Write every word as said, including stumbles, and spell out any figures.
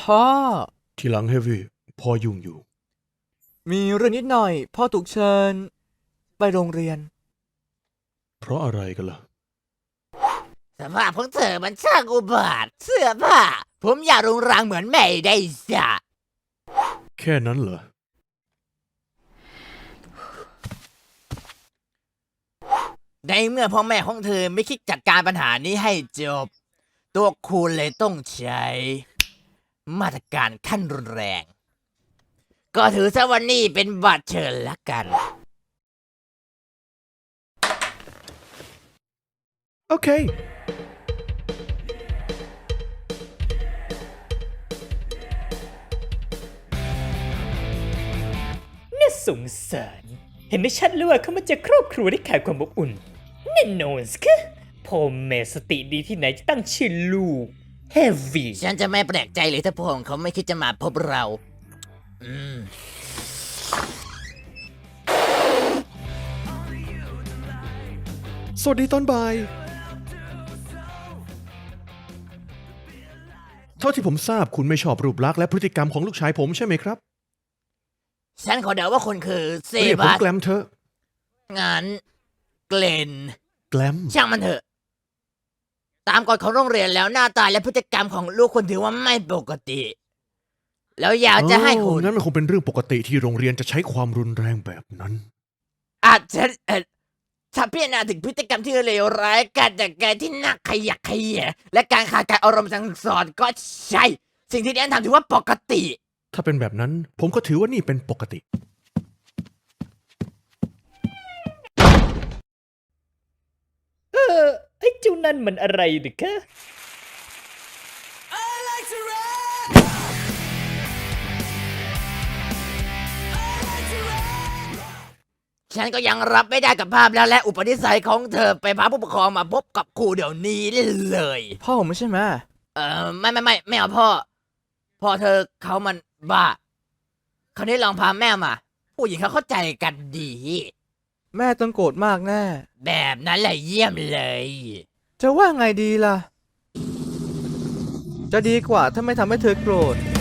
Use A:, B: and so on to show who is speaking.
A: พ่อ
B: ทีหลังเฮฟวี่พ่อยุ่งอยู่
A: มีเรื่องนิดหน่อยพ่อถูกเชิญไปโรงเรียน
B: เพราะอะไรกันล่ะ
C: สภาพของเธอมันช่างอุบาทเสื้อผ้าผมอยากรุงรังเหมือนแม่ได้สะ
B: แค่นั้นเหรอ
C: ในเมื่อพ่อแม่ของเธอไม่คิดจัดการปัญหานี้ให้จบตัวคุณเลยต้องใช้มาตรการขั้นรุนแรงก็ถือซะว่านี่เป็นบัตรเชิญละกัน
B: โอเค
D: น่าสงสารเห็นได้ชัดเลยว่าเขามาจากครอบครัวที่ขาดความอบอุ่นแน่นอนสิคะพ่อแม่สติดีที่ไหนจะตั้งชื่อลูกเฮฟวี่
C: ฉันจะไม่แปลกใจเลยถ้าพ่อของเขาไม่คิดจะมาพบเราอืม
B: สวัสดีตอนบ่ายเท่าที่ผมทราบคุณไม่ชอบรูปลักษณ์และพฤติกรรมของลูกชายผมใช่ไหมครับ
C: ฉันขอเดาว่าคุณคือเซ
B: เรียกผม
C: บาส
B: แกลมเถอะ
C: งั้นเกลน
B: แกลม
C: ช่างมันเถอะตามกฎของโรงเรียนแล้วหน้าตาและพฤติกรรมของลูกคุณถือว่าไม่ปกติ แล้วอยากจะให้คุณ
B: งั้นมันคงเป็นเรื่องปกติที่โรงเรียนจะใช้ความรุนแรงแบบนั้น
C: อาจจะเอ่อถ้าพิจารณาถึงพฤติกรรมที่เลวร้ายการจัดการที่น่าขยักขยะและการขาดการอารมณ์สั่งสอนก็ใช่ สิ่งที่แอนทำถือว่าปกติ
B: ถ้าเป็นแบบนั้นผมก็ถือว่านี่เป็นปกติ
D: เออไอ้เจ้านั่นมันอะไรดิคะ
C: ฉันก็ยังรับไม่ได้กับภาพแล้วและอุปนิสัยของเธอไปพาผู้ปกครองมาพบกับครูเดี๋ยวนี้เลย
A: พ่อผมไม่ใช่ไหม
C: เออไม่ไม่ไม่ไม่เอาพ่อพ่อเธอเขามันบ้าคราวนี้ลองพาแม่มาผู้หญิงเขาเข้าใจกันดี
A: แม่ต้องโกรธมากแน่
C: แบบนั้นแหละเยี่ยมเลย
A: จะว่าไงดีล่ะจะดีกว่าถ้าไม่ทำให้เธอโกรธ